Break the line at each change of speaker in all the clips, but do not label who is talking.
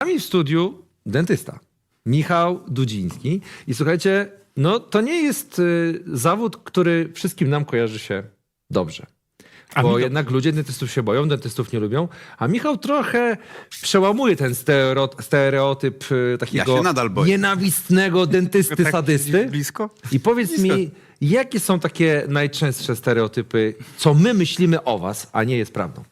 nami w studiu dentysta Michał Dudziński. I słuchajcie, no to nie jest zawód, który wszystkim nam kojarzy się dobrze. Bo jednak ludzie dentystów się boją, dentystów nie lubią. A Michał trochę przełamuje ten stereotyp takiego nienawistnego dentysty sadysty.
Blisko?
I powiedz mi, jakie są takie najczęstsze stereotypy, co my myślimy o was, a nie jest prawdą?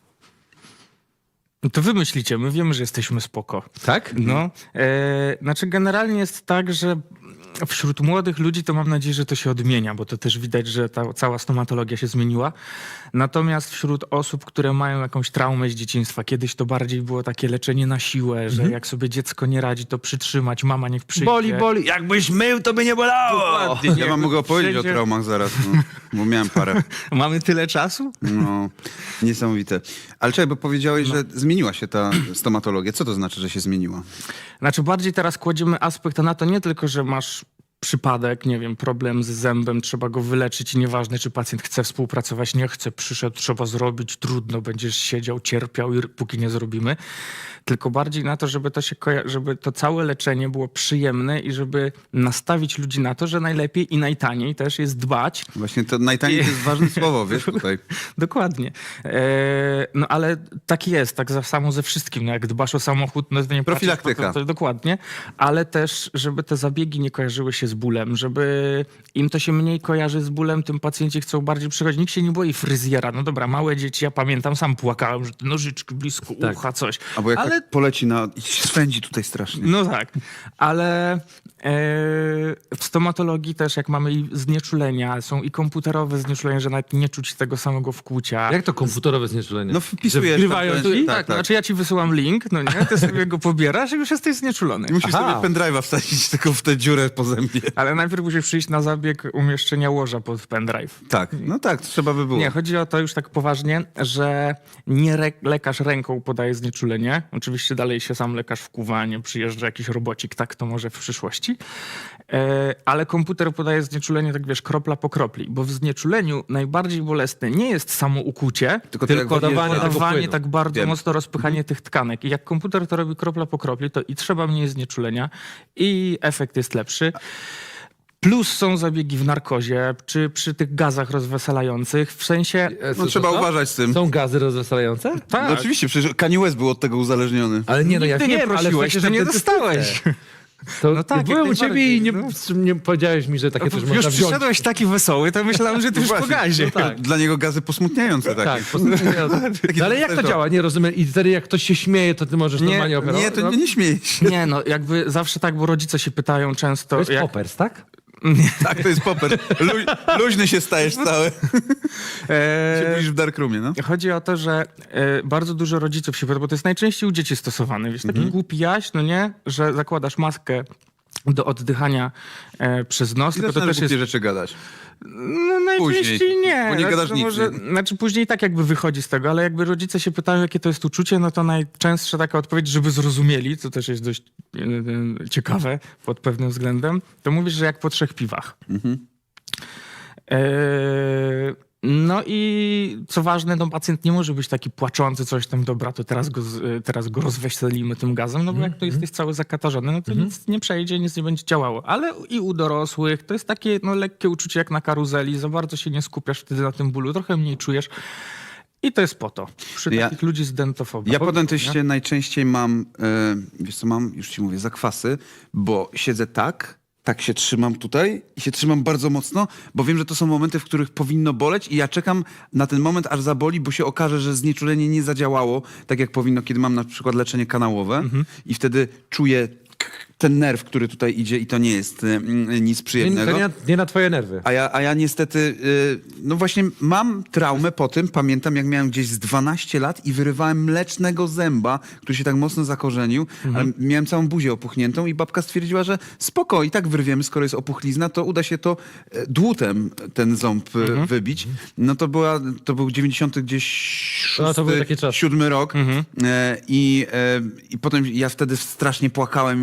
No to wy myślicie, my wiemy, że jesteśmy spoko.
Tak?
No, znaczy generalnie jest tak, że wśród młodych ludzi to mam nadzieję, że to się odmienia, bo to też widać, że ta cała stomatologia się zmieniła. Natomiast wśród osób, które mają jakąś traumę z dzieciństwa, kiedyś to bardziej było takie leczenie na siłę, że jak sobie dziecko nie radzi, to przytrzymać, mama niech przyjdzie.
Boli, boli. Jakbyś mył, to by nie bolało.
Dokładnie,
Ja wam mogę opowiedzieć o traumach zaraz, no, bo miałem parę.
Mamy tyle czasu?
No, niesamowite. Ale czekaj, bo powiedziałeś, że zmieniła się ta stomatologia. Co to znaczy, że się zmieniła?
Znaczy bardziej teraz kładziemy aspekt na to nie tylko, że masz przypadek, nie wiem, problem z zębem, trzeba go wyleczyć i nieważne, czy pacjent chce współpracować, nie chce, przyszedł, trzeba zrobić, trudno, będziesz siedział, cierpiał, póki nie zrobimy. Tylko bardziej na to, żeby żeby to całe leczenie było przyjemne i żeby nastawić ludzi na to, że najlepiej i najtaniej też jest dbać.
Właśnie to najtaniej to jest ważne słowo, wiesz, tutaj.
Dokładnie. No ale tak jest, tak samo ze wszystkim. No, jak dbasz o samochód, no to nie
profilaktyka.
To dokładnie. Ale też, żeby te zabiegi nie kojarzyły się z bólem, żeby im to się mniej kojarzy z bólem, tym pacjenci chcą bardziej przychodzić. Nikt się nie boi fryzjera. No dobra, małe dzieci, ja pamiętam, sam płakałem, że te nożyczki blisko ucha, coś.
Albo jak tak poleci i się swędzi tutaj strasznie.
No tak, ale w stomatologii też jak mamy i znieczulenia, są i komputerowe znieczulenia, że nawet nie czuć tego samego wkłucia.
Jak to komputerowe znieczulenie?
No wpisujesz
wgrywają
tam,
tu i...
Tak, znaczy ja ci wysyłam link, no nie, ty sobie go pobierasz i już jesteś znieczulony.
I musisz sobie pendrive'a wsadzić tylko w tę dziurę po zębie.
Ale najpierw musisz przyjść na zabieg umieszczenia łoża pod pendrive.
Tak, no tak, trzeba by było.
Nie, chodzi o to już tak poważnie, że nie lekarz ręką podaje znieczulenie. Oczywiście dalej się sam lekarz wkuwa, nie przyjeżdża jakiś robocik, tak to może w przyszłości. Ale komputer podaje znieczulenie, tak wiesz, kropla po kropli. Bo w znieczuleniu najbardziej bolesne nie jest samo ukucie, tylko dawanie tak bardzo mocno rozpychanie tych tkanek. I jak komputer to robi kropla po kropli, to i trzeba mniej znieczulenia i efekt jest lepszy. Plus są zabiegi w narkozie, czy przy tych gazach rozweselających, w sensie...
No trzeba uważać z tym.
Są gazy rozweselające?
Tak.
No oczywiście, przecież Kanye West był od tego uzależony.
Ale nie, no ja
Nigdy nie
wiem,
prosiłeś,
ale
że nie dostałeś.
To
No tak,
byłem
jak
u ciebie i
najbardziej,
nie powiedziałeś mi, że takie też
Już
można wziąć.
przyszedłeś taki wesoły, to myślałem, że ty już po gazie.
No tak.
Dla niego gazy posmutniające takie.
Tak, no, ale jak to działa? Nie rozumiem. I wtedy jak ktoś się śmieje, to ty możesz normalnie operować?
Nie, to nie śmiej się.
Nie, no jakby zawsze tak, bo rodzice się pytają często...
To jest poppers, tak?
Tak, to jest popper. Luźny się stajesz cały. Się budzisz w darkroomie, no.
Chodzi o to, że bardzo dużo rodziców się pyta, bo to jest najczęściej u dzieci stosowane. Wiesz, taki głupi jaś, no nie? Że zakładasz maskę do oddychania przez nos.
I
Tylko to też jest
rzeczy gadać.
No najczęściej
Później,
nie.
bo nie
Znaczy,
gadasz
to
nic,
może, znaczy później tak jakby wychodzi z tego, ale jakby rodzice się pytają, jakie to jest uczucie, no to najczęstsza taka odpowiedź, żeby zrozumieli, co też jest dość ciekawe pod pewnym względem, to mówisz, że jak po 3 piwach. No i co ważne, no pacjent nie może być taki płaczący, coś tam, dobra, to teraz go rozweselimy tym gazem, no bo jak to jesteś cały zakatarzony, no to nic nie przejdzie, nic nie będzie działało. Ale i u dorosłych to jest takie no, lekkie uczucie jak na karuzeli, za bardzo się nie skupiasz wtedy na tym bólu, trochę mniej czujesz. I to jest po to, przy takich ludzi z dentofobią.
Ja po dentyście najczęściej mam, wiesz co mam, już ci mówię, zakwasy, bo siedzę tak się trzymam tutaj i się trzymam bardzo mocno, bo wiem, że to są momenty, w których powinno boleć i ja czekam na ten moment, aż zaboli, bo się okaże, że znieczulenie nie zadziałało tak, jak powinno, kiedy mam na przykład leczenie kanałowe i wtedy czuję ten nerw, który tutaj idzie i to nie jest nic przyjemnego.
Nie na twoje nerwy.
A ja niestety, no właśnie mam traumę po tym, pamiętam jak miałem gdzieś z 12 lat i wyrywałem mlecznego zęba, który się tak mocno zakorzenił, ale miałem całą buzię opuchniętą i babka stwierdziła, że spoko, i tak wyrwiemy, skoro jest opuchlizna, to uda się to dłutem ten ząb wybić. No to był 90 gdzieś
No, to były takie czasy.
7 rok i potem ja wtedy strasznie płakałem i mówiłem, że ja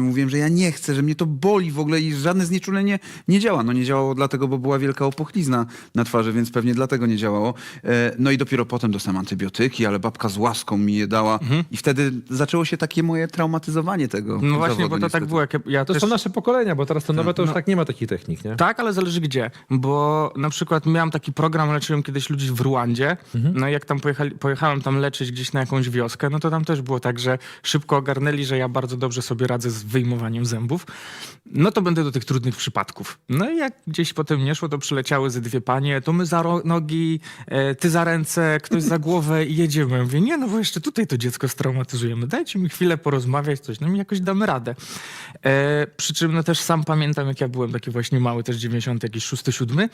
ja nie chcę, że mnie to boli w ogóle i żadne znieczulenie nie działa. No nie działało dlatego, bo była wielka opuchlizna na twarzy, więc pewnie dlatego nie działało. No i dopiero potem dostałem antybiotyki, ale babka z łaską mi je dała i wtedy zaczęło się takie moje traumatyzowanie tego
No właśnie,
zawodu,
bo to
niestety.
tak było. Jak ja
To
też...
są nasze pokolenia, bo teraz to nowe to już tak nie ma takich technik, nie?
Tak, ale zależy gdzie, bo na przykład miałem taki program, leczyłem kiedyś ludzi w Ruandzie, no i jak tam pojechałem tam leczyć gdzieś na jakąś wioskę, no to tam też było tak, że szybko ogarnęli, że ja bardzo dobrze sobie radzę z wyjmowaniem zębów, no to będę do tych trudnych przypadków. No i jak gdzieś potem nie szło, to przyleciały ze dwie panie, to my za nogi, ty za ręce, ktoś za głowę i jedziemy. Ja mówię, nie, no bo jeszcze tutaj to dziecko straumatyzujemy, dajcie mi chwilę porozmawiać, coś, no i jakoś damy radę. Przy czym no też sam pamiętam, jak ja byłem taki właśnie mały, też 90, jakiś 6, 7,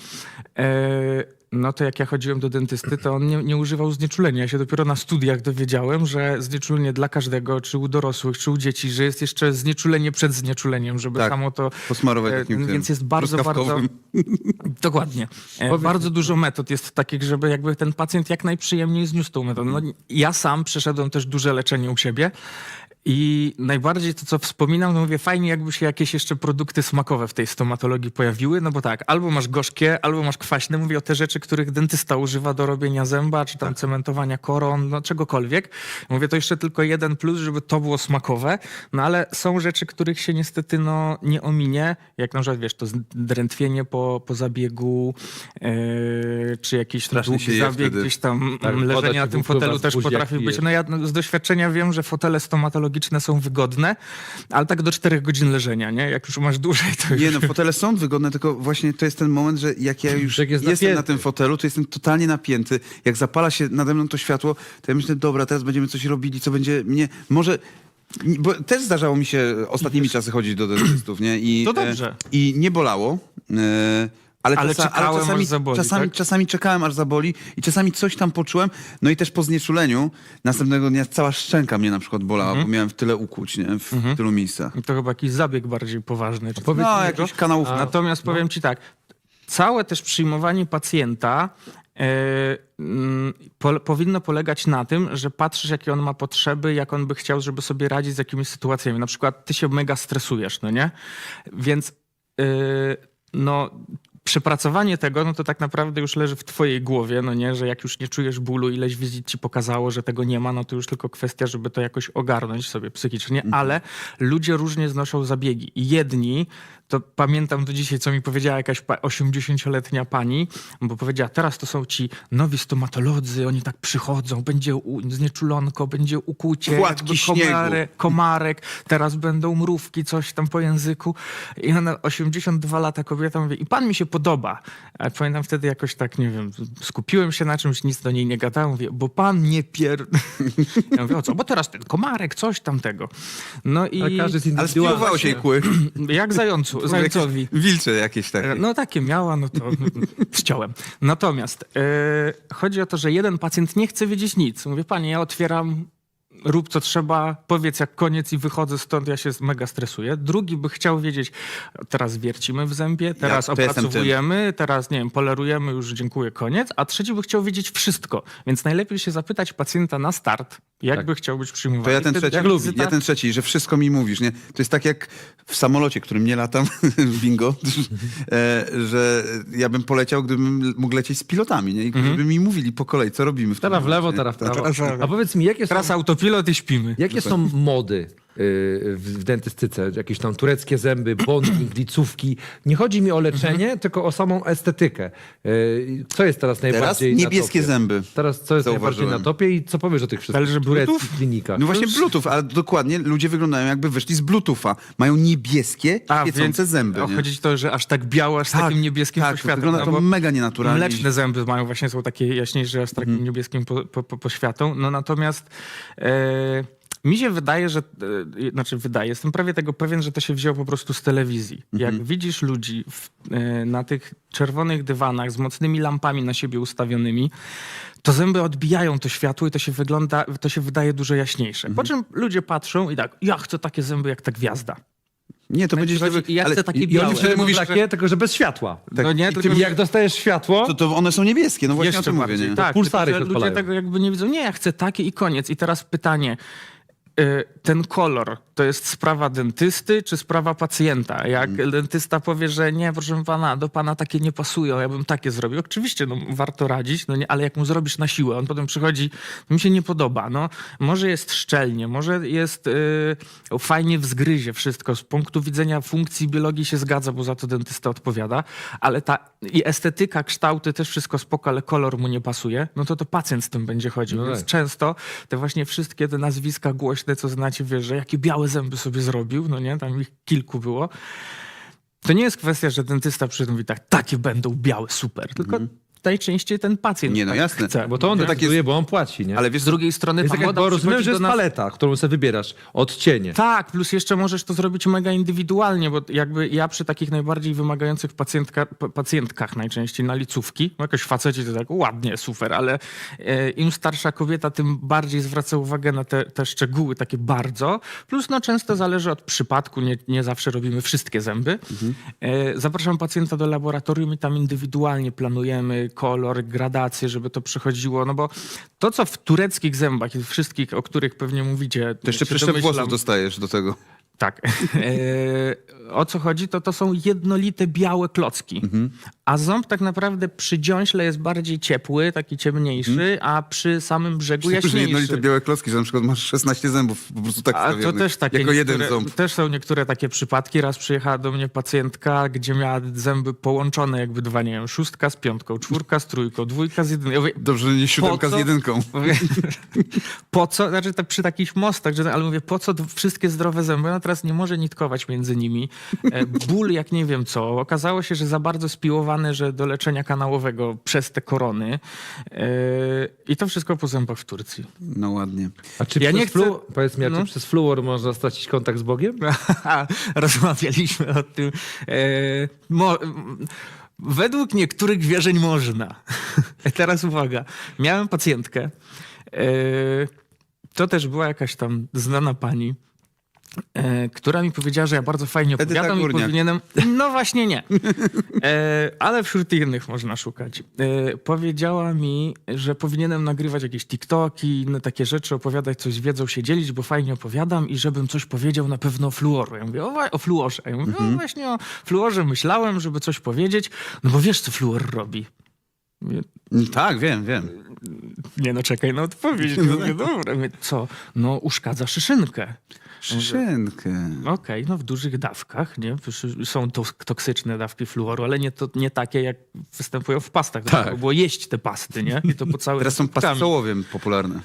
no to jak ja chodziłem do dentysty, to on nie używał znieczulenia. Ja się dopiero na studiach dowiedziałem, że znieczulenie dla każdego, czy u dorosłych, czy u dzieci, że jest jeszcze znieczulenie przed znieczuleniem, żeby
Tak,
samo to...
posmarować takim
Więc
tym
jest bardzo, bardzo...
truskawkowym.
Dokładnie. Bardzo dużo metod jest takich, żeby jakby ten pacjent jak najprzyjemniej zniósł tą metodę. No, ja sam przeszedłem też duże leczenie u siebie i najbardziej to, co wspominam, no mówię, fajnie jakby się jakieś jeszcze produkty smakowe w tej stomatologii pojawiły, no bo tak, albo masz gorzkie, albo masz kwaśne. Mówię o te rzeczy, których dentysta używa do robienia zęba, czy tam cementowania koron, no czegokolwiek. Mówię, to jeszcze tylko jeden plus, żeby to było smakowe, no ale są rzeczy, których się niestety no nie ominie, jak na przykład, wiesz, to drętwienie po zabiegu, czy jakiś
Strasznie się
długi
je
zabieg,
wtedy.
gdzieś tam
Tak, woda
leżenie na
ci
tym
wypływa
fotelu
z
też
buzi,
potrafi
jak
być.
pijesz.
No ja z doświadczenia wiem, że fotele stomatologiczne są wygodne, ale tak do 4 godzin leżenia, nie? Jak już masz dłużej, to
Nie
już...
no, fotele są wygodne, tylko właśnie to jest ten moment, że jak ja już
Jak jest
jestem na
napięty.
tym fotelu, to jestem totalnie napięty. Jak zapala się nade mną to światło, to ja myślę, dobra, teraz będziemy coś robili, co będzie mnie... Może... Bo też zdarzało mi się ostatnimi czasy chodzić do dentystów, nie? I,
To dobrze.
I nie bolało. Ale
czekałem, aż zaboli, tak?
czasami czekałem, aż zaboli i czasami coś tam poczułem. No i też po znieczuleniu następnego dnia cała szczęka mnie na przykład bolała, bo miałem w tyle ukłuć, nie? W tylu miejscach.
To chyba jakiś zabieg bardziej poważny. Czy
powiedz
No,
mi
jakiś kanałów.
Natomiast powiem ci tak, całe też przyjmowanie pacjenta powinno polegać na tym, że patrzysz, jakie on ma potrzeby, jak on by chciał, żeby sobie radzić z jakimiś sytuacjami. Na przykład ty się mega stresujesz, no nie? Więc no... Przepracowanie tego, no to tak naprawdę już leży w twojej głowie, no nie, że jak już nie czujesz bólu, ileś wizyt ci pokazało, że tego nie ma, no to już tylko kwestia, żeby to jakoś ogarnąć sobie psychicznie, ale ludzie różnie znoszą zabiegi. I jedni, to pamiętam do dzisiaj, co mi powiedziała jakaś 80-letnia pani, bo powiedziała, teraz to są ci nowi stomatolodzy, oni tak przychodzą, będzie znieczulonko, będzie ukucie,
Płatki śniegu.
komarek, teraz będą mrówki, coś tam po języku. I ona 82 lata kobieta mówi, i pan mi się podoba. A pamiętam wtedy jakoś tak, nie wiem, skupiłem się na czymś, nic do niej nie gadałem. Mówię, bo pan nie Ja mówię, o co? Bo teraz ten komarek, coś tamtego. No i
Ale każdy jest
Ale
indywidualny.
spiłowało się jej kły.
jak zającowi.
Wilcze jakieś takie.
No takie miała, no to ściąłem. Natomiast chodzi o to, że jeden pacjent nie chce wiedzieć nic. Mówię, panie, ja otwieram, rób co trzeba, powiedz jak koniec i wychodzę stąd, ja się mega stresuję. Drugi by chciał wiedzieć, teraz wiercimy w zębie, teraz
to jestem
opracowujemy, teraz nie wiem, polerujemy, już dziękuję, koniec. A trzeci by chciał wiedzieć wszystko. Więc najlepiej się zapytać pacjenta na start, jak by chciał być przyjmowany.
To ja ten
Wtedy
trzeci,
wizyta-
ja ten trzeci, że wszystko mi mówisz, nie? To jest tak jak w samolocie, którym nie latam, bingo, że ja bym poleciał, gdybym mógł lecieć z pilotami, nie? I gdyby mi mówili po kolei, co robimy w tym
Teraz w lewo,
momencie,
teraz w prawo.
Teraz w lewo.
A powiedz mi, jakie są,
Teraz autopilot i śpimy.
jakie są mody w dentystyce? Jakieś tam tureckie zęby, bonding, licówki. Nie chodzi mi o leczenie, tylko o samą estetykę. Co jest teraz najbardziej
Teraz
na
niebieskie
topie?
zęby.
Teraz co jest najbardziej
Zauważyłem.
na topie i co powiesz o tych wszystkich
Ale że
tureckich
Bluetooth?
klinikach?
No właśnie Bluetooth, ale dokładnie ludzie wyglądają jakby wyszli z Bluetootha. Mają niebieskie, świecące zęby. Nie?
Chodzi to, że aż tak białe, aż z takim niebieskim poświatem.
wygląda
no
to
bo
mega nienaturalnie.
Mleczne zęby mają właśnie, są takie jaśniejsze, aż z takim niebieskim poświatą. No natomiast mi się wydaje, że, jestem prawie tego pewien, że to się wzięło po prostu z telewizji. Jak widzisz ludzi na tych czerwonych dywanach z mocnymi lampami na siebie ustawionymi, to zęby odbijają to światło i to się wydaje dużo jaśniejsze. Po czym ludzie patrzą i tak, ja chcę takie zęby jak ta gwiazda.
Nie, to będzie źle.
Ja chcę takie
I
białe.
oni wtedy
mówisz,
mówisz takie, tylko że bez światła.
Tak.
No nie,
I
tylko
I jak dostajesz światło,
to one są niebieskie, no właśnie
jeszcze
o tym mówię,
bardziej.
nie?
Tak,
pulsary
tylko, że
się
ludzie
odpalają.
tego jakby nie widzą. Nie, ja chcę takie i koniec. I teraz pytanie, ten kolor to jest sprawa dentysty czy sprawa pacjenta? Jak dentysta powie, że nie, proszę pana, do pana takie nie pasują, ja bym takie zrobił. Oczywiście, no, warto radzić, no nie, ale jak mu zrobisz na siłę, on potem przychodzi, mi się nie podoba. No, może jest szczelnie, może jest fajnie w zgryzie wszystko. Z punktu widzenia funkcji biologii się zgadza, bo za to dentysta odpowiada, ale i estetyka, kształty, też wszystko spoko, ale kolor mu nie pasuje, no to pacjent z tym będzie chodził.
No
Więc
tak.
często te właśnie wszystkie te nazwiska głośne, co znacie, wiesz, że jakie białe zęby sobie zrobił, no nie, tam ich kilku było. To nie jest kwestia, że dentysta przy tym mówi tak, takie będą białe, super, tylko najczęściej ten pacjent
Nie, no
tak
jasne.
chce.
Bo to on
Tak
decyduje,
jest.
bo on płaci, nie?
Ale wiesz,
Z drugiej strony
jest
ta
tak jak,
moda
bo rozumiem,
przychodzi
że
do
jest
nas...
paleta, którą sobie wybierasz, odcienie.
Tak, plus jeszcze możesz to zrobić mega indywidualnie, bo jakby ja przy takich najbardziej wymagających pacjentkach najczęściej na licówki, no jakoś faceci to tak ładnie, super, ale im starsza kobieta, tym bardziej zwraca uwagę na te szczegóły takie bardzo. Plus no często zależy od przypadku, nie zawsze robimy wszystkie zęby. Zapraszam pacjenta do laboratorium i tam indywidualnie planujemy kolor, gradację, żeby to przychodziło, no bo to, co w tureckich zębach i wszystkich, o których pewnie mówicie,
to jeszcze
się
przyszczep
domyślam.
włosów dostajesz do tego.
Tak. O co chodzi, to są jednolite białe klocki. A ząb tak naprawdę przy dziąśle jest bardziej ciepły, taki ciemniejszy, a przy samym brzegu
Że
jaśniejszy.
jednolite białe klocki, że na przykład masz 16 zębów po prostu tak
A to
wstawionych,
też takie
jako jeden
niektóre,
ząb.
też są niektóre takie przypadki. Raz przyjechała do mnie pacjentka, gdzie miała zęby połączone jakby dwa, nie wiem, 6 z 5, 4 z 3, 2 z 1. Ja mówię,
Dobrze, że nie 7
po
z
co?
1.
mówię, po co, znaczy tak przy takich mostach, ale mówię, po co wszystkie zdrowe zęby? Ona teraz nie może nitkować między nimi. Ból jak nie wiem co. Okazało się, że za bardzo spiłowane, że do leczenia kanałowego przez te korony. I to wszystko po zębach w Turcji.
No ładnie.
A czy
Ja
przez
nie chcę-
powiedz mi, a
no.
czy przez fluor można stracić kontakt z Bogiem?
Rozmawialiśmy o tym. Według niektórych wierzeń można. Teraz uwaga. Miałem pacjentkę. To też była jakaś tam znana pani, która mi powiedziała, że ja bardzo fajnie
Edyta
opowiadam i
Górniak.
powinienem... No właśnie nie. Ale wśród innych można szukać. Powiedziała mi, że powinienem nagrywać jakieś TikToki, inne takie rzeczy, opowiadać coś z wiedzą, się dzielić, bo fajnie opowiadam i żebym coś powiedział na pewno o fluoru. Ja mówię, o fluorze. Ja mówię, o właśnie o fluorze myślałem, żeby coś powiedzieć, no bo wiesz, co fluor robi. Mówię,
Tak, wiem.
nie no, czekaj na odpowiedź. Ja mówię, dobra. Mówię, co? No uszkadza szyszynkę.
Szynkę.
Okej, no w dużych dawkach, nie? Są toksyczne dawki fluoru, ale nie takie, jak występują w pastach.
Tak.
Trzeba było jeść te pasty, nie? I to po całym
Teraz są pasty sołowiem popularne.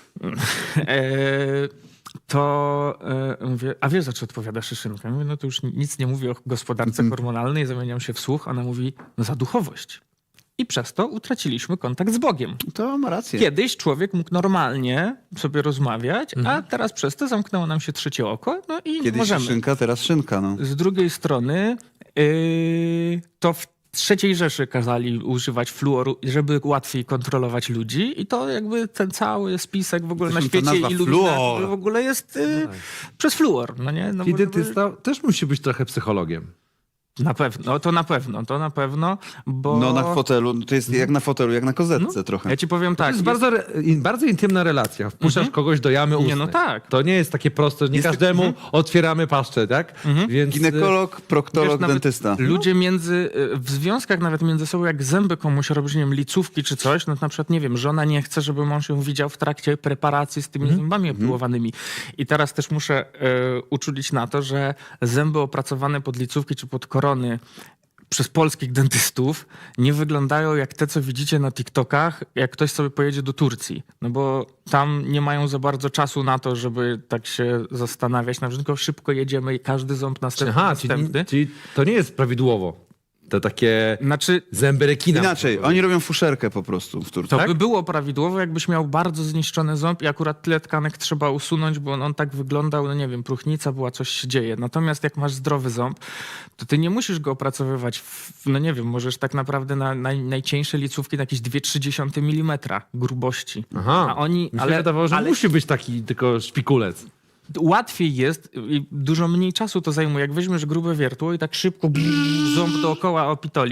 Mówię, a wiesz, za co odpowiada szyszynka? Mówię, no to już nic nie mówię o gospodarce hormonalnej, zamieniam się w słuch. Ona mówi, no za duchowość. I przez to utraciliśmy kontakt z Bogiem.
To ma rację.
Kiedyś człowiek mógł normalnie sobie rozmawiać, a teraz przez to zamknęło nam się trzecie oko, no i
Kiedyś
możemy.
szynka, teraz szynka, no.
Z drugiej strony to w III Rzeszy kazali używać fluoru, żeby łatwiej kontrolować ludzi i to jakby ten cały spisek w ogóle na
Zresztą ta
świecie
nazwa
iluminaty
fluor.
w ogóle jest przez fluor, no nie? No
I
bo żeby-
dentysta też musi być trochę psychologiem.
Na pewno, to na pewno, bo...
No na fotelu, to jest jak na fotelu, jak na kozetce trochę.
Ja ci powiem
To
tak.
jest bardzo intymna relacja. Wpuszczasz kogoś do jamy ustnej.
no tak.
To nie jest takie proste, nie każdemu otwieramy paszczę, tak? Więc
Ginekolog, proktolog,
Wiesz, nawet
dentysta.
Ludzie w związkach nawet między sobą, jak zęby komuś robisz, nie wiem, licówki czy coś, no to na przykład, nie wiem, żona nie chce, żeby mąż ją widział w trakcie preparacji z tymi zębami opiłowanymi. I teraz też muszę uczulić na to, że zęby opracowane pod licówki czy pod korony przez polskich dentystów nie wyglądają jak te, co widzicie na TikTokach, jak ktoś sobie pojedzie do Turcji. No bo tam nie mają za bardzo czasu na to, żeby tak się zastanawiać. Na przykład szybko jedziemy i każdy ząb następny.
czyli to nie jest prawidłowo. To takie
Znaczy,
zęby rekina.
Inaczej, oni robią fuszerkę po prostu w Turcji.
to
Tak?
by było prawidłowo, jakbyś miał bardzo zniszczony ząb i akurat tyle tkanek trzeba usunąć, bo on tak wyglądał, no nie wiem, próchnica była, coś się dzieje. Natomiast jak masz zdrowy ząb, to ty nie musisz go opracowywać, no nie wiem, możesz tak naprawdę na najcieńsze licówki na jakieś 2,3 mm grubości.
Aha,
A oni,
mi się wydawało, że musi być taki tylko szpikulec.
łatwiej jest i dużo mniej czasu to zajmuje. Jak weźmiesz grube wiertło i tak szybko ząb dookoła opitolisz,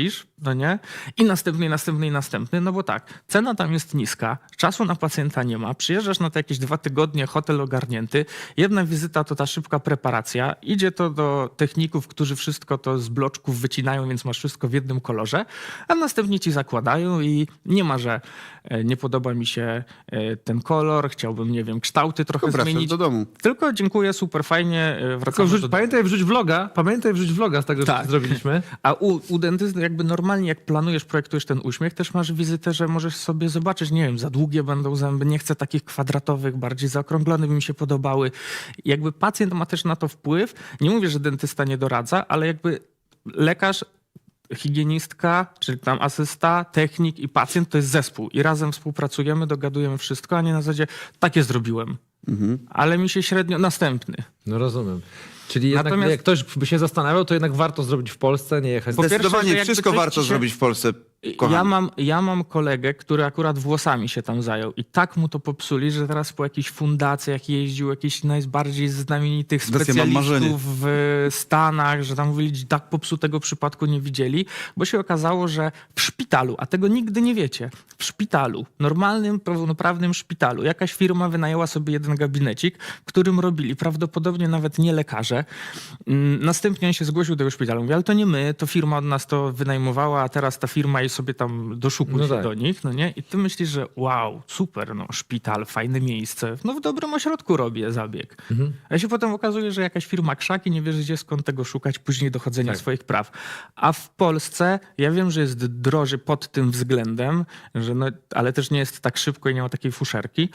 no nie? I następny, no bo tak, cena tam jest niska, czasu na pacjenta nie ma, przyjeżdżasz na te jakieś 2 tygodnie, hotel ogarnięty, jedna wizyta to ta szybka preparacja, idzie to do techników, którzy wszystko to z bloczków wycinają, więc masz wszystko w jednym kolorze, a następnie ci zakładają i nie ma, że nie podoba mi się ten kolor, chciałbym, nie wiem, kształty trochę
Wracasz
zmienić.
do domu.
Tylko dziękuję, super, fajnie, wracamy do domu.
Pamiętaj wrzuć vloga z tego, co zrobiliśmy.
A u dentysty jakby normalnie jak planujesz, projektujesz ten uśmiech, też masz wizytę, że możesz sobie zobaczyć, nie wiem, za długie będą zęby, nie chcę takich kwadratowych, bardziej zaokrąglone by mi się podobały. Jakby pacjent ma też na to wpływ. Nie mówię, że dentysta nie doradza, ale jakby lekarz, higienistka, czyli tam asysta, technik i pacjent to jest zespół i razem współpracujemy, dogadujemy wszystko, a nie na zasadzie takie zrobiłem. Ale mi się średnio następny.
No rozumiem. Czyli jednak
Natomiast-
jak ktoś by się zastanawiał, to jednak warto zrobić w Polsce, nie jechać.
Po pierwsze, że
Zdecydowanie
jakby
wszystko
coś
warto
ci się-
zrobić w Polsce, kochani.
Ja mam kolegę, który akurat włosami się tam zajął i tak mu to popsuli, że teraz po jakichś fundacjach jeździł, jakichś najbardziej znamienitych
Teraz ja mam marzenie.
specjalistów w Stanach, że tam mówili, tak popsutego przypadku nie widzieli, bo się okazało, że w szpitalu, a tego nigdy nie wiecie, w szpitalu, normalnym, pełnoprawnym szpitalu, jakaś firma wynajęła sobie jeden gabinecik, w którym robili prawdopodobnie nawet nie lekarze. Następnie on się zgłosił do tego szpitalu. Mówi, ale to nie my, to firma od nas to wynajmowała, a teraz ta firma i sobie tam doszukuje
No
się
tak.
do nich, no nie? I ty myślisz, że wow, super, no szpital, fajne miejsce, no w dobrym ośrodku robię zabieg. A się potem okazuje, że jakaś firma krzaki, nie wiesz gdzie, skąd tego szukać, później dochodzenia
Tak.
swoich praw. A w Polsce, ja wiem, że jest droży pod tym względem, że no, ale też nie jest tak szybko i nie ma takiej fuszerki.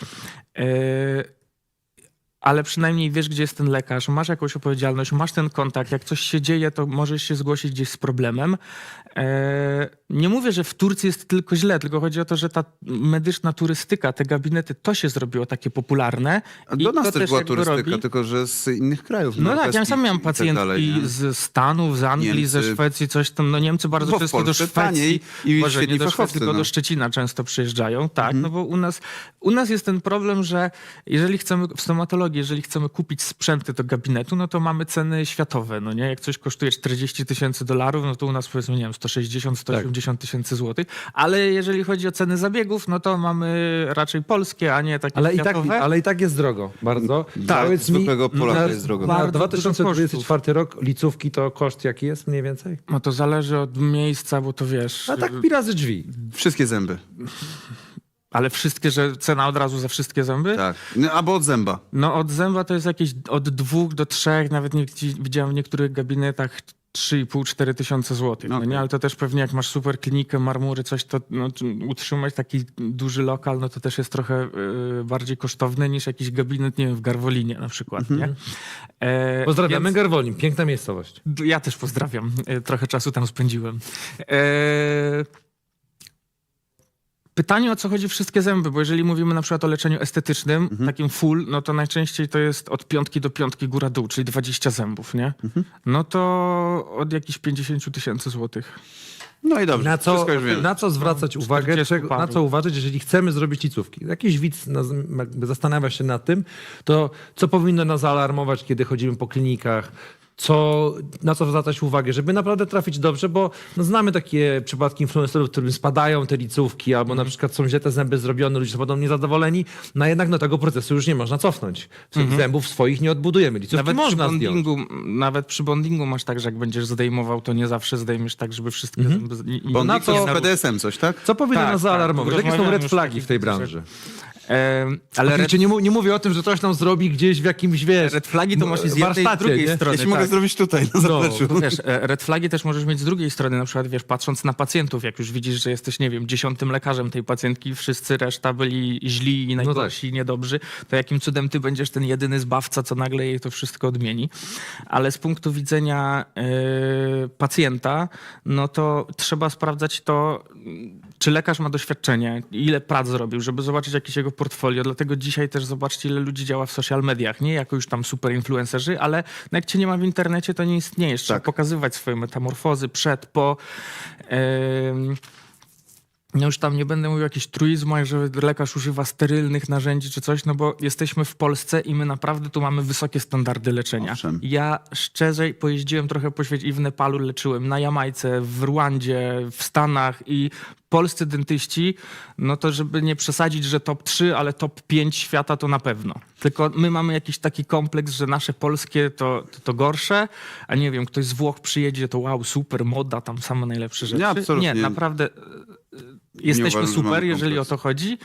Ale przynajmniej wiesz, gdzie jest ten lekarz, masz jakąś odpowiedzialność, masz ten kontakt. Jak coś się dzieje, to możesz się zgłosić gdzieś z problemem. Nie mówię, że w Turcji jest tylko źle, tylko chodzi o to, że ta medyczna turystyka, te gabinety, to się zrobiło takie popularne.
A
i
do nas
to
też była
jakby
turystyka,
robi.
tylko że z innych krajów.
No tak, ja
norweskich
sam miałem
i tak
pacjentki
dalej, nie?
z Stanów, z Anglii, ze
Niemcy.
Szwecji, coś tam. No Niemcy bardzo
Bo w
często do
Polsce
Szwecji,
taniej i
Boże,
świetni
nie do Szwecji,
fachowcy,
tylko
no.
do Szczecina często przyjeżdżają. Tak, no bo u nas jest ten problem, że jeżeli chcemy, w stomatologii, jeżeli chcemy kupić sprzęty do gabinetu, no to mamy ceny światowe, no nie? Jak coś kosztuje $40,000, no to u nas powiedzmy, nie wiem, 160-180 tysięcy złotych, ale jeżeli chodzi o ceny zabiegów, no to mamy raczej polskie, a nie takie światowe.
Ale i tak jest drogo, bardzo.
Tak,
Powiedz mi,
zwykłego Polaka
na-
jest drogo.
Na
Bardzo dużo
2024 rok licówki to koszt jaki jest mniej więcej?
No to zależy od miejsca, bo to wiesz...
A tak pi razy drzwi.
Wszystkie zęby.
Ale wszystkie, że cena od razu za wszystkie zęby?
Tak. No, albo od zęba.
No od zęba to jest jakieś od 2 do 3, nawet widziałem w niektórych gabinetach 3,5-4 tysiące złotych. No
Okej.
nie, ale to też pewnie jak masz super klinikę, marmury, coś, to no, utrzymać taki duży lokal, no to też jest trochę bardziej kosztowne niż jakiś gabinet, nie wiem, w Garwolinie na przykład, nie?
Pozdrawiamy
Więc-
Garwolin, piękna miejscowość.
Ja też pozdrawiam. Trochę czasu tam spędziłem. Pytanie, o co chodzi wszystkie zęby, bo jeżeli mówimy na przykład o leczeniu estetycznym, takim full, no to najczęściej to jest od 5 do 5 góra-dół, czyli 20 zębów, nie? No to od jakichś 50 tysięcy złotych.
No i dobrze, wszystko już wiem.
Na co zwracać uwagę,
40
na
parów.
co uważać, jeżeli chcemy zrobić licówki? Jakiś widz jakby zastanawia się nad tym, to co powinno nas zaalarmować, kiedy chodzimy po klinikach, na co zwracać uwagę, żeby naprawdę trafić dobrze, bo no, znamy takie przypadki influencerów, którym spadają te licówki, albo na przykład są źle te zęby zrobione, ludzie są podobnie niezadowoleni, no jednak no, tego procesu już nie można cofnąć. Zębów swoich nie odbudujemy. Licówki można zdjąć.
Nawet przy bondingu masz tak, że jak będziesz zdejmował, to nie zawsze zdejmiesz tak, żeby wszystkie zęby...
Bo
na
na
co-
to z PDS-em coś, tak?
Co powinno
Tak,
nas
tak.
zaalarmować? Jakie są
Rozmawiamy
red
już
flagi
takich
w tej
rzeczach.
branży?
Ale
Oczywiście nie mówię o tym, że coś tam zrobi gdzieś w jakimś, wiesz,
red flagi to masz i z jednej i z
warsztacie,
drugiej
nie?
strony.
Jeśli mogę
tak.
zrobić tutaj, na zapleczu.
Wiesz, red flagi też możesz mieć z drugiej strony, na przykład, wiesz, patrząc na pacjentów, jak już widzisz, że jesteś, nie wiem, 10. lekarzem tej pacjentki, wszyscy reszta byli źli i najgorsi i niedobrzy, to jakim cudem ty będziesz ten jedyny zbawca, co nagle jej to wszystko odmieni. Ale z punktu widzenia pacjenta, no to trzeba sprawdzać to, czy lekarz ma doświadczenie, ile prac zrobił, żeby zobaczyć jakieś jego portfolio. Dlatego dzisiaj też zobaczcie, ile ludzi działa w social mediach. Nie jako już tam super influencerzy, ale no jak cię nie ma w internecie, to nie istniejesz. Trzeba
Tak.
pokazywać swoje metamorfozy przed, po. No już tam nie będę mówił o jakichś truizmach, że lekarz używa sterylnych narzędzi czy coś, no bo jesteśmy w Polsce i my naprawdę tu mamy wysokie standardy leczenia.
Owszem.
Ja szczerze pojeździłem trochę po świecie i w Nepalu leczyłem, na Jamajce, w Rwandzie, w Stanach i polscy dentyści, no to żeby nie przesadzić, że top 3, ale top 5 świata to na pewno. Tylko my mamy jakiś taki kompleks, że nasze polskie to gorsze, a nie wiem, ktoś z Włoch przyjedzie, to wow, super, moda, tam same najlepsze rzeczy.
Nie, absolutnie.
Nie, naprawdę jesteśmy
uważam, że
super,
mamy
jeżeli o
kompleks.
to chodzi.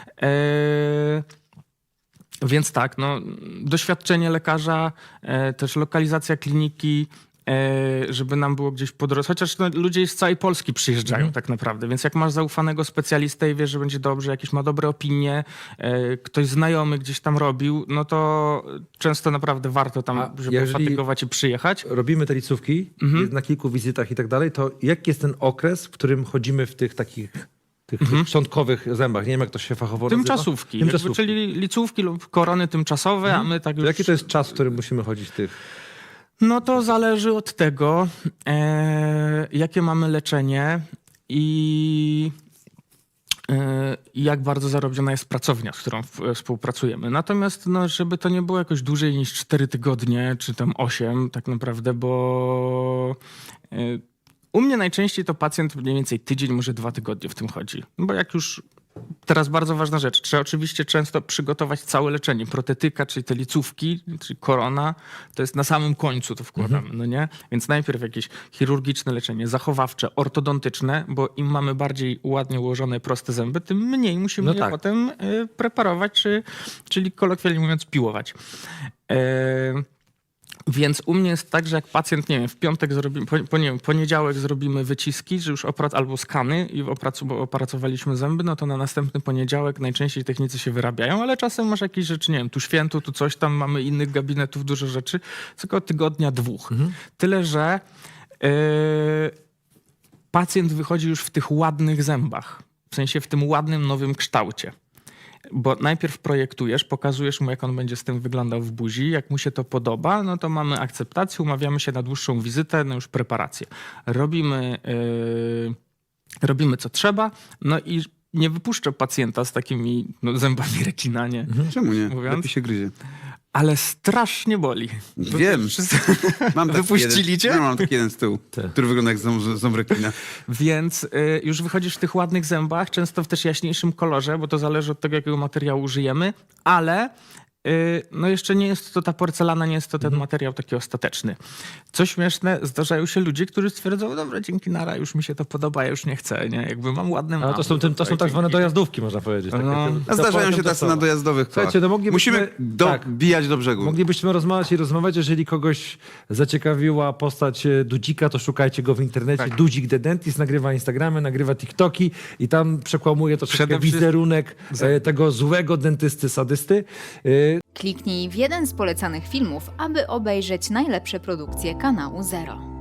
Więc tak, no, doświadczenie lekarza, też lokalizacja kliniki, żeby nam było gdzieś po drodze. Chociaż no, ludzie z całej Polski przyjeżdżają tak naprawdę, więc jak masz zaufanego specjalistę i wiesz, że będzie dobrze, jakieś ma dobre opinie, ktoś znajomy gdzieś tam robił, no to często naprawdę warto tam
A
się
jeżeli-
pofatygować i przyjechać.
Robimy te licówki na kilku wizytach i tak dalej, to jaki jest ten okres, w którym chodzimy w tych takich tych szczątkowych zębach? Nie wiem, jak to się fachowo nazywa.
Tymczasówki,
Tymczasówki.
czyli licówki lub korony tymczasowe, a my tak
To
już...
jaki to jest czas, w którym musimy chodzić w tych...
No to zależy od tego, jakie mamy leczenie i jak bardzo zarobiona jest pracownia, z którą współpracujemy. Natomiast no, żeby to nie było jakoś dłużej niż 4 tygodnie, czy tam 8 tak naprawdę, bo u mnie najczęściej to pacjent mniej więcej tydzień, może 2 tygodnie w tym chodzi. Bo jak już... Teraz bardzo ważna rzecz. Trzeba oczywiście często przygotować całe leczenie. Protetyka, czyli te licówki, czyli korona, to jest na samym końcu to wkładamy, no nie? Więc najpierw jakieś chirurgiczne leczenie, zachowawcze, ortodontyczne, bo im mamy bardziej ładnie ułożone, proste zęby, tym mniej musimy
No
je
tak.
potem preparować, czyli kolokwialnie mówiąc piłować. Więc u mnie jest tak, że jak pacjent, nie wiem, w piątek zrobimy, nie wiem, poniedziałek zrobimy wyciski, że już albo skany i opracowaliśmy zęby, no to na następny poniedziałek najczęściej technicy się wyrabiają, ale czasem masz jakieś rzeczy, nie wiem, tu święto, tu coś tam, mamy innych gabinetów, dużo rzeczy, tylko tygodnia 2. Tyle, że pacjent wychodzi już w tych ładnych zębach, w sensie w tym ładnym, nowym kształcie. Bo najpierw projektujesz, pokazujesz mu, jak on będzie z tym wyglądał w buzi. Jak mu się to podoba, no to mamy akceptację, umawiamy się na dłuższą wizytę, no już preparację. Robimy co trzeba, no i nie wypuszczę pacjenta z takimi zębami rekina, nie?
Czemu nie?
Mówiąc?
Lepiej się gryzie.
Ale strasznie boli.
Wiem.
Wszyscy...
Mam taki
Wypuścili
jeden,
cię?
No, mam taki jeden z tyłu, który wygląda jak ząb rekina.
Więc już wychodzisz w tych ładnych zębach, często w też jaśniejszym kolorze, bo to zależy od tego, jakiego materiału użyjemy, ale no jeszcze nie jest to ta porcelana, nie jest to ten materiał taki ostateczny. Co śmieszne, zdarzają się ludzie, którzy stwierdzą, dobra, dzięki nara, już mi się to podoba, ja już nie chcę, nie? Jakby mam ładne
Ale to są tak zwane dojazdówki, można powiedzieć.
No.
A zdarzają się tacy na dojazdowych kołach.
Słuchajcie, no moglibyśmy...
Musimy dobijać do brzegu.
Moglibyśmy rozmawiać i rozmawiać, jeżeli kogoś zaciekawiła postać Dudzika, to szukajcie go w internecie.
Tak.
Dudzik the Dentist nagrywa Instagramy, nagrywa TikToki i tam przekłamuje to troszkę
Przede wszystkim-
wizerunek tego złego dentysty, sadysty.
Kliknij w jeden z polecanych filmów, aby obejrzeć najlepsze produkcje kanału Zero.